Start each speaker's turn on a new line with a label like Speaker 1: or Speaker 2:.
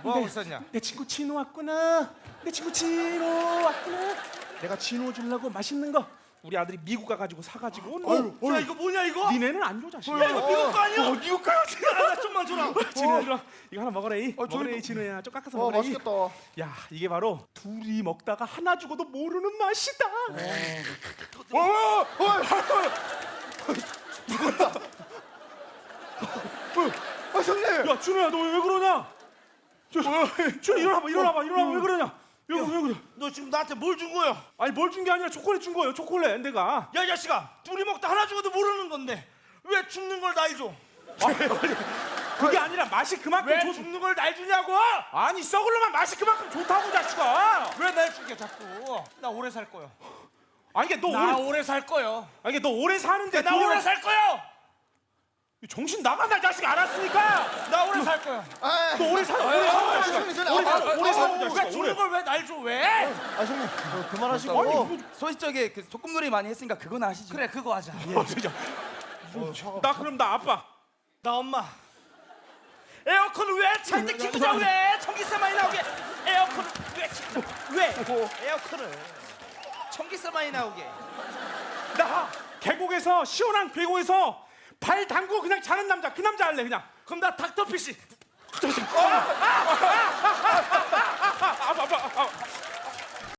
Speaker 1: 뭐하고 있었냐?
Speaker 2: 내 친구 진호 왔구나. 내 친구 진호 왔구나. 내가 진호 주려고 맛있는 거 우리 아들이 미국 가가지고 사가지고
Speaker 1: 야 이거 뭐냐 이거?
Speaker 2: 니네는 안 줘 자식아.
Speaker 1: 야 이거 미국 거 아니야?
Speaker 2: 미국 거야.
Speaker 1: 나 좀만 줘라.
Speaker 2: 진호야 이리 와. 이거 하나 먹어라 이. 먹어라 이 진호야. 좀 깎아서 먹어라 이.
Speaker 3: 맛있겠다.
Speaker 2: 야 이게 바로 둘이 먹다가 하나 죽어도 모르는 맛이다.
Speaker 3: 형님.
Speaker 2: 야 준호야 너 왜 그러냐? 준호 일어나봐 왜 그러냐? 왜 그래?
Speaker 1: 너 지금 나한테 뭘 준 거야?
Speaker 2: 아니 뭘 준 게 아니라 초콜릿 준 거예요. 초콜릿 내가.
Speaker 1: 야 이 자식아, 둘이 먹다 하나 죽어도 모르는 건데 왜 죽는 걸 날 줘?
Speaker 2: 그게 아니라 맛이 그만큼
Speaker 1: 왜
Speaker 2: 좋.
Speaker 1: 죽는 걸 날 주냐고?
Speaker 2: 아니 썩을려면 맛이 그만큼 좋다고 자식아.
Speaker 1: 왜 날 죽여 자꾸? 나 오래 살 거야.
Speaker 2: 아니 이게 너
Speaker 1: 나
Speaker 2: 오래
Speaker 1: 오래 살 거야.
Speaker 2: 아니 이게 너 오래 사는데
Speaker 1: 나
Speaker 2: 돈을-
Speaker 1: 오래 살 거야.
Speaker 2: 정신 나간다 이 자식 알았으니까.
Speaker 1: 나 오래 살 거야.
Speaker 2: 너 오래 사 자식아. 오래 사
Speaker 1: 왜
Speaker 2: 자식아.
Speaker 1: 죽는 걸 왜 날 줘? 왜?
Speaker 3: 형님 그만하시고.
Speaker 2: 아니
Speaker 4: 소시적에 그 소꿉놀이 많이 했으니까 그건 아시죠?
Speaker 1: 그래 그거 하자.
Speaker 2: 진짜. 나 그럼 나 아빠.
Speaker 1: 나 엄마. 에어컨을 왜 찰 때 키우자 왜? 전기세 많이 나오게. 에어컨을 왜 키우자? 왜? 에어컨을 전기세 많이 나오게.
Speaker 2: 나 계곡에서 시원한 계곡에서 발 담그고 그냥 자는 남자 그 남자 할래 그냥.
Speaker 1: 그럼 나 닥터피쉬.